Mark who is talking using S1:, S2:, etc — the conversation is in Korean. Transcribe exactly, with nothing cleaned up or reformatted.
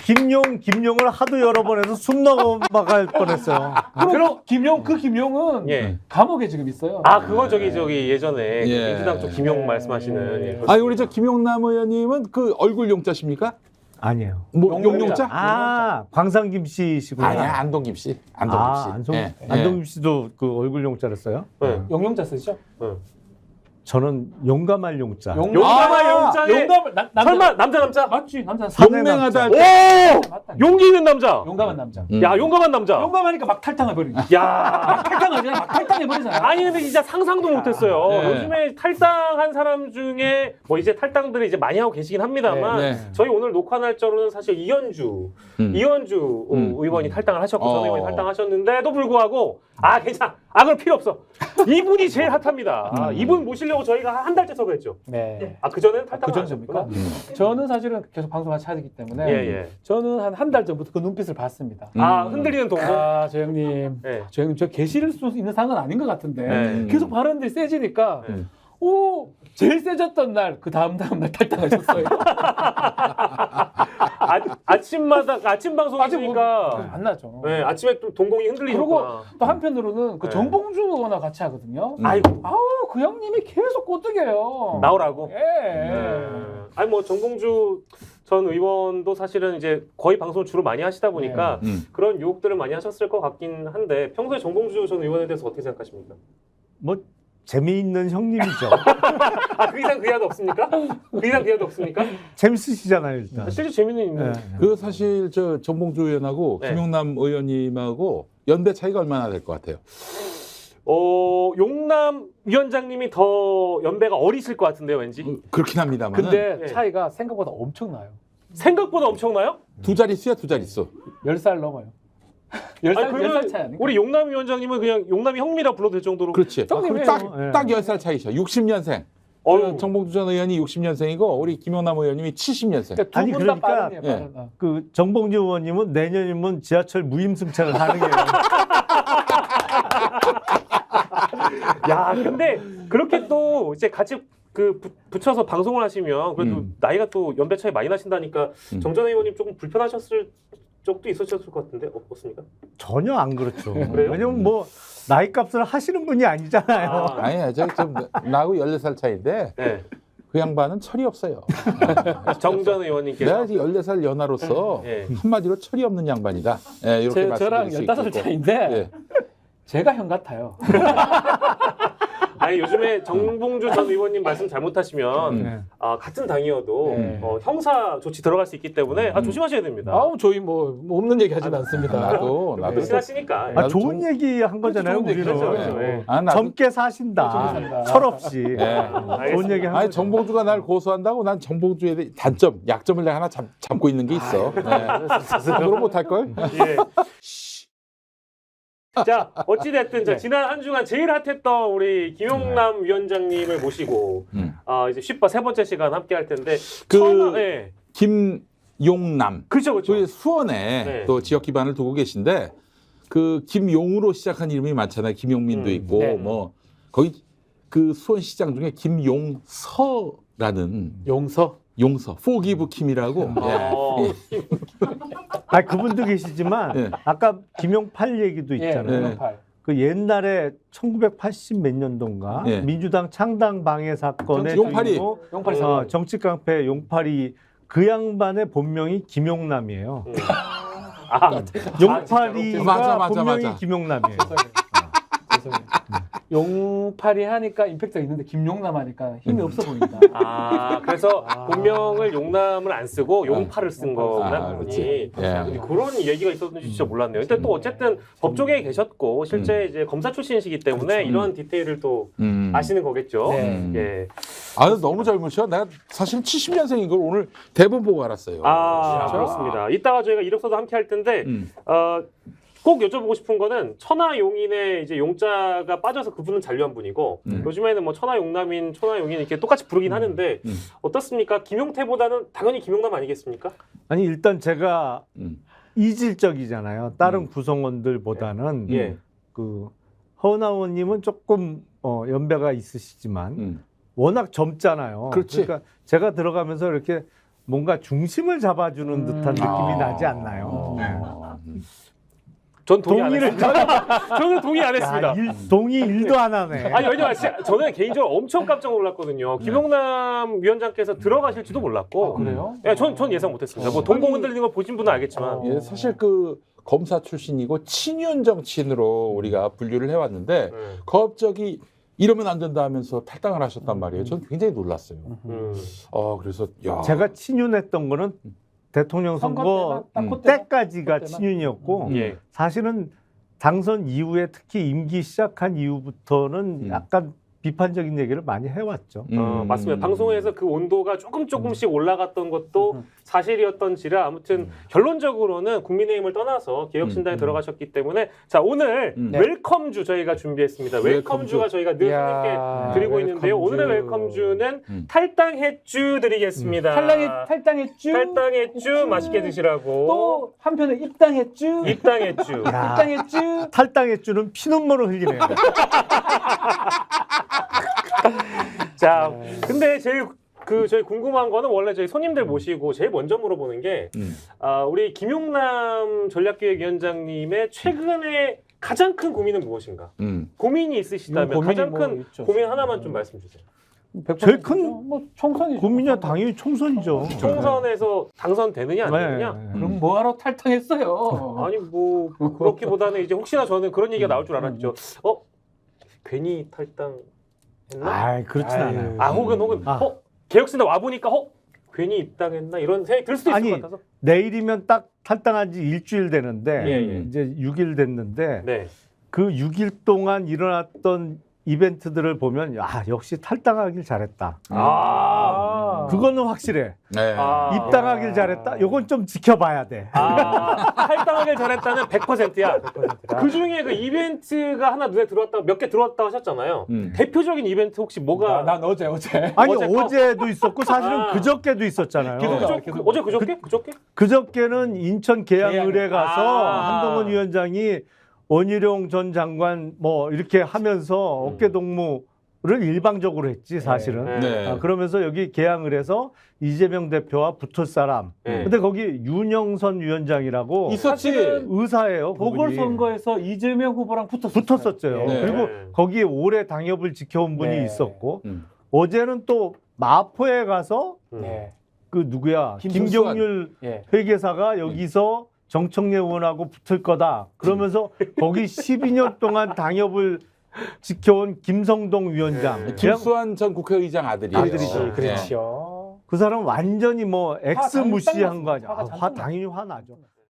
S1: 김용, 김용을 하도 여러 번 해서 숨 넘어갈 뻔했어요.
S2: 그럼 김용 그 김용은
S3: 예.
S2: 감옥에 지금 있어요.
S3: 아, 그건 저기 저기 예전에
S4: 예.
S3: 민주당 쪽 김용
S2: 예.
S3: 말씀하시는. 예.
S4: 아니 우리 저 김용남 의원님은 그 얼굴 용자십니까?
S1: 아니에요.
S4: 뭐
S2: 용용자.
S4: 용용자?
S1: 아, 광상김 씨시구나.
S4: 아니야 안동김 씨. 안동김 씨.
S1: 아, 안성,
S4: 예.
S1: 안동김 씨도 그 얼굴 용자를 써요?
S3: 네.
S2: 용용자 쓰시죠?
S3: 응.
S1: 저는 용감할 용자.
S2: 용-
S3: 용감한
S4: 아,
S3: 용자에
S2: 용감을 남- 남자
S3: 설마 남자 남자?
S2: 맞지 남자
S4: 용맹하다 할 때.
S3: 오!
S2: 맞다.
S3: 용기 있는 남자.
S2: 용감한 남자.
S4: 음.
S3: 야, 용감한 남자.
S2: 용감하니까 막 탈당해 버리는.
S3: 야.
S2: 막 탈당하잖아. 막 탈당해 버리잖아.
S3: 아니 근데 진짜 상상도 못했어요.
S4: 네.
S3: 요즘에 탈당한 사람 중에 뭐 이제 탈당들을 이제 많이 하고 계시긴 합니다만
S4: 네, 네.
S3: 저희 오늘 녹화 날짜로는 사실 이현주
S4: 음.
S3: 이현주 어,
S4: 음.
S3: 의원이 탈당을 하셨고 전
S4: 어.
S3: 의원이 탈당하셨는데도 불구하고 아 괜찮아 아 그럴 필요 없어 이분이 제일 핫합니다. 아,
S4: 음.
S3: 이분 모시려고 저희가 한 달째 섭외했죠.
S2: 네.
S3: 아 그전에는 탈당
S2: 그
S3: 안
S2: 정도입니까?
S3: 하셨구나.
S2: 저는 사실은 계속 방송을 같이 하기 때문에
S3: 예, 예.
S2: 저는 한 한 달 전부터 그 눈빛을 봤습니다.
S3: 아
S4: 음.
S3: 흔들리는 동공.
S2: 아, 저 형님,
S3: 네.
S2: 저 형님 저 계실 수 있는 상은 아닌 것 같은데
S3: 네.
S2: 계속 발언들이 세지니까
S3: 네.
S2: 오 제일 세졌던 날 그 다음 다음 날 탈당하셨어요.
S3: 아, 아침마다 아침 방송이니까
S2: 뭐, 안 나죠.
S3: 네, 아침에 또 동공이
S2: 그리고
S3: 흔들리셨구나.
S2: 또 한편으로는 그
S3: 네.
S2: 정봉주 의원과 같이 하거든요.
S4: 음.
S3: 아이고
S2: 아우 그 형님이 계속 꼬드겨요.
S3: 나오라고.
S2: 예.
S3: 네. 아니 뭐 정봉주 전 의원도 사실은 이제 거의 방송을 주로 많이 하시다 보니까
S4: 음.
S3: 그런 유혹들을 많이 하셨을 것 같긴 한데 평소에 정봉주 전 의원에 대해서 어떻게 생각하십니까?
S1: 뭐 재미있는 형님이죠.
S3: 아 그 이상 그 이하도 없습니까? 그 이상 그 이하도 없습니까?
S1: 재밌으시잖아요, 일단.
S3: 실제 재미는 있는.
S1: 네.
S4: 그 사실 저 정봉주 의원하고
S3: 네.
S4: 김용남 의원님하고 연배 차이가 얼마나 될 것 같아요?
S3: 어 용남 위원장님이 더 연배가 어리실 것 같은데요, 왠지.
S4: 어, 그렇긴 합니다만.
S2: 근데
S3: 네.
S2: 차이가 생각보다 엄청나요.
S3: 생각보다 엄청나요?
S4: 두 자릿수야 두 자릿수.
S2: 열 살 넘어요. 열 살,
S3: 아니,
S2: 열 살
S3: 그러면
S2: 차이 아닌가?
S3: 우리 용남 위원장님은 그냥 용남이 형이라 불러도 될 정도로.
S4: 그렇지.
S2: 형님이에요.
S1: 예.
S4: 딱딱 열 살 차이셔. 육십 년생.
S3: 어휴.
S4: 정봉주 전 의원이 육십 년생이고 우리 김용남 의원님이 칠십 년생.
S2: 그러니까
S1: 아니,
S2: 두분 다
S1: 그러니까-
S2: 빠르네요.
S4: 예.
S2: 빠르다.
S1: 그 정봉주 의원님은 내년이면 지하철 무임승차가 가능해요.
S3: 야, 근데 그렇게 또 이제 같이 그 부- 붙여서 방송을 하시면 그래도
S4: 음.
S3: 나이가 또 연배 차이 많이 나신다니까
S4: 음.
S3: 정전 의원님 조금 불편하셨을 적도 있으셨을 것 같은데 어, 없습니까?
S1: 전혀 안 그렇죠.
S3: 그래요?
S1: 왜냐면 뭐 나이 값을 하시는 분이 아니잖아요.
S3: 아,
S4: 아니야, 저좀 나하고 열네 살 차이인데
S3: 네.
S4: 그 양반은 철이 없어요.
S3: 정전 의원님께서
S4: 내가 지금 열네 살 연하로서
S3: 예.
S4: 한마디로 철이 없는 양반이다. 예, 이렇게
S2: 제,
S4: 말씀드릴
S2: 저랑
S4: 수
S2: 열다섯 살
S4: 있겠고.
S2: 차이인데
S4: 예.
S2: 제가 형 같아요.
S3: 아니 요즘에 정봉주 전 의원님 말씀 잘못하시면
S4: 음.
S1: 네.
S3: 아, 같은 당이어도
S2: 네.
S3: 어, 형사 조치 들어갈 수 있기 때문에 아,
S4: 음.
S3: 조심하셔야 됩니다.
S2: 아우 저희 뭐, 뭐 없는 얘기 하진 않습니다.
S4: 나도 나도
S3: 친하시니까.
S1: 아,
S4: 나도
S1: 좋은
S4: 좀-
S1: 얘기 한 거잖아요,
S2: 좋은 얘기
S1: 우리는.
S3: 그렇죠, 그렇죠. 예.
S4: 아, 나도
S1: 젊게 사신다.
S2: 젊게 산다.
S1: 철없이.
S4: 예.
S1: 좋은 얘기 한
S4: 아니
S1: 거죠.
S4: 정봉주가 날 고소한다고 난 정봉주에 대해 단점, 약점을 내가 하나 잡, 잡고 있는 게 있어. 예. 그럼 못할 걸?
S3: 예. 자, 어찌됐든 자,
S2: 네.
S3: 지난 한 주간 제일 핫했던 우리 김용남 위원장님을 모시고
S4: 음.
S3: 아, 이제 쉽바 세 번째 시간 함께 할 텐데
S4: 그-
S3: 처음, 예.
S4: 김용남.
S3: 그렇죠, 그렇죠.
S4: 그 수원에
S3: 네.
S4: 또 지역 기반을 두고 계신데 그 김용으로 시작한 이름이 많잖아요. 김용민도
S3: 음,
S4: 있고
S2: 네.
S4: 뭐 거기 그 수원시장 중에 김용서라는
S2: 용서.
S4: 용서, 포기브 킴이라고. 예.
S3: 어,
S1: 아, 그분도 계시지만
S4: 예.
S1: 아까 김용팔 얘기도 있잖아요.
S2: 예,
S4: 네.
S2: 용팔.
S1: 그 옛날에 천구백팔십 몇 년도인가
S4: 예.
S1: 민주당 창당 방해 사건의
S4: 용팔이.
S1: 주인공,
S2: 용팔이
S1: 어,
S2: 사건.
S1: 정치 깡패 용팔이 그 양반의 본명이 김용남이에요.
S3: 음. 아,
S1: 용팔이가
S4: 맞아, 맞아,
S1: 본명이
S4: 맞아.
S1: 김용남이에요.
S2: 죄송해요. 죄송해요. 용팔이 하니까 임팩트가 있는데 김용남 하니까 힘이 없어 보인다.
S3: 아, 그래서
S2: 아.
S3: 본명을 용남을 안 쓰고 용팔을 쓴
S2: 아,
S3: 거구나.
S4: 아,
S3: 그분이.
S4: 그렇지. 예.
S3: 근데 그런 얘기가 있었는지 진짜 몰랐네요. 근데 또 어쨌든 법조계에 계셨고 실제 이제 검사 출신이시기 때문에
S4: 그렇죠.
S3: 이런 디테일을 또
S4: 음.
S3: 아시는 거겠죠.
S2: 네.
S4: 음.
S3: 예.
S4: 아, 너무 젊으셔. 내가 사실 칠십 년생인 걸 오늘 대본 보고 알았어요.
S3: 아,
S2: 진짜?
S3: 그렇습니다. 이따가 저희가 이력서도 함께 할 텐데
S4: 음.
S3: 어, 꼭 여쭤보고 싶은 거는 천하용인의 이제 용자가 빠져서 그분은 잔류한 분이고
S4: 음.
S3: 요즘에는 뭐 천하용남인 천하용인 이렇게 똑같이 부르긴 하는데
S4: 음.
S3: 어떻습니까? 김용태보다는 당연히 김용남 아니겠습니까?
S1: 아니 일단 제가
S4: 음.
S1: 이질적이잖아요. 다른
S4: 음.
S1: 구성원들보다는
S3: 예.
S1: 그 허은하원님은 조금 어, 연배가 있으시지만
S4: 음.
S1: 워낙 젊잖아요.
S4: 그렇지.
S1: 그러니까 제가 들어가면서 이렇게 뭔가 중심을 잡아주는
S2: 음.
S1: 듯한 느낌이
S4: 아.
S1: 나지 않나요?
S4: 어.
S3: 전 동의 안
S1: 동의를
S3: 했습니다. 저는 동의 안
S1: 야,
S3: 했습니다.
S1: 일, 동의 일도 안 하네.
S3: 아니 왜냐면 진짜 저는 개인적으로 엄청 깜짝 놀랐거든요. 김용남 위원장께서 들어가실지도 몰랐고.
S2: 아, 그래요?
S3: 예, 전, 전 예상 못했습니다. 뭐 동공 흔들리는 거 보신 분은 알겠지만.
S2: 어.
S4: 예, 사실 그 검사 출신이고 친윤 정치인으로 우리가 분류를 해왔는데
S3: 네.
S4: 갑자기 이러면 안 된다 하면서 탈당을 하셨단 말이에요. 저는 굉장히 놀랐어요.
S3: 음.
S4: 어 그래서 야.
S1: 제가 친윤했던 거는 대통령 선거
S2: 딱
S4: 음.
S2: 그때만?
S1: 때까지가
S2: 그때만?
S1: 친윤이었고
S4: 음.
S3: 예.
S1: 사실은 당선 이후에 특히 임기 시작한 이후부터는
S4: 음.
S1: 약간 비판적인 얘기를 많이 해왔죠.
S3: 어,
S4: 음.
S3: 맞습니다. 방송에서 그 온도가 조금 조금씩 올라갔던 것도
S2: 음.
S3: 사실이었던지라 아무튼
S4: 음.
S3: 결론적으로는 국민의힘을 떠나서 개혁신당에
S4: 음.
S3: 들어가셨기 때문에 자 오늘
S4: 음.
S2: 네.
S3: 웰컴주 저희가 준비했습니다. 웰컴주가
S4: 웰컴주.
S3: 저희가 늘
S2: 이야,
S3: 손님께 드리고 있는데요.
S2: 웰컴주.
S3: 오늘의 웰컴주는
S4: 음.
S3: 탈당했주 드리겠습니다.
S2: 탈당했 탈당했쥬.
S3: 탈당했주 맛있게 드시라고.
S2: 또 한편에 입당했쥬.
S3: 입당했주.
S1: 야,
S2: 입당했쥬.
S1: 탈당의 주는 피눈물을 흘리네요.
S3: 자, 근데 제일 그 저희 궁금한 거는 원래 저희 손님들 모시고 제일 먼저 물어보는 게
S4: 음.
S3: 아, 우리 김용남 전략기획위원장님의 최근에 가장 큰 고민은 무엇인가?
S4: 음.
S3: 고민이 있으시다면
S2: 고민이
S3: 가장
S2: 뭐
S3: 큰
S2: 있죠.
S3: 고민 하나만 좀 말씀 주세요.
S2: 백
S1: 제일
S2: 퍼센트죠.
S1: 큰
S2: 뭐 총선이죠.
S1: 국민이야 당연히 총선이죠.
S3: 총선에서 당선되느냐 안 되느냐?
S1: 네.
S2: 그럼 뭐하러 탈당했어요?
S3: 아니 뭐 그렇기보다는 이제 혹시나 저는 그런 얘기가 나올 줄 알았죠. 어? 괜히 탈당했나?
S1: 아, 그렇진
S2: 아유.
S1: 않아요.
S3: 아 혹은 혹은
S1: 아.
S3: 어? 개혁신당 와 보니까 어? 괜히 입당했나 이런 생각이 들 수도 있을
S1: 아니,
S3: 것 같아서.
S1: 내일이면 딱 탈당한 지 일주일 되는데
S3: 예, 예.
S1: 이제 육 일 됐는데
S3: 네.
S1: 그 육 일 동안 일어났던 이벤트들을 보면 야 역시 탈당하길 잘했다.
S3: 아.
S1: 그거는 확실해.
S4: 네.
S3: 아.
S1: 입당하길
S2: 야.
S1: 잘했다. 요건 좀 지켜봐야 돼.
S3: 아, 탈당하길 잘했다는 백 퍼센트야.
S2: 백 퍼센트다.
S3: 그 중에 그 이벤트가 하나 눈에 들어왔다, 몇 개 들어왔다고 하셨잖아요.
S4: 음.
S3: 대표적인 이벤트 혹시 뭐가?
S2: 나, 난 어제 어제.
S1: 아니
S3: 어제 거?
S1: 어제도 있었고 사실은
S3: 아.
S1: 그저께도 있었잖아요.
S3: 그,
S2: 계속-
S3: 저, 그, 어제 그저께? 그저께?
S1: 그저께는 인천 계양을에 가서
S3: 아.
S1: 한동훈 위원장이 원희룡 전 장관 뭐 이렇게 하면서
S3: 음.
S1: 어깨 동무를 일방적으로 했지 사실은.
S3: 네.
S4: 네.
S1: 아, 그러면서 여기 계양을에서 이재명 대표와 붙을 사람.
S3: 네.
S1: 근데 거기 윤영선 위원장이라고
S4: 있었지.
S1: 의사예요. 그분이.
S2: 보궐선거에서 이재명 후보랑 붙었어요.
S1: 붙었었죠.
S3: 네.
S1: 그리고 거기에 오래 당협을 지켜온 분이
S2: 네.
S1: 있었고
S4: 음.
S1: 어제는 또 마포에 가서
S3: 음.
S2: 네.
S1: 그 누구야
S4: 김성수가-
S1: 김경률
S2: 예.
S1: 회계사가 여기서 정청래 의원하고 붙을 거다. 그러면서 거기 십이 년 동안 당협을 지켜온 김성동 위원장.
S3: 네.
S1: 그냥
S4: 김수환 전 국회의장 아들이에요.
S1: 아들이죠.
S4: 네.
S2: 그렇죠.
S1: 그 사람 완전히 뭐
S2: 화
S1: 엑스
S2: 당연히
S1: 무시한
S2: 딱
S1: 거 아니야.
S2: 났어. 화가
S1: 아, 화
S2: 잔뜩
S1: 당연히 화나죠.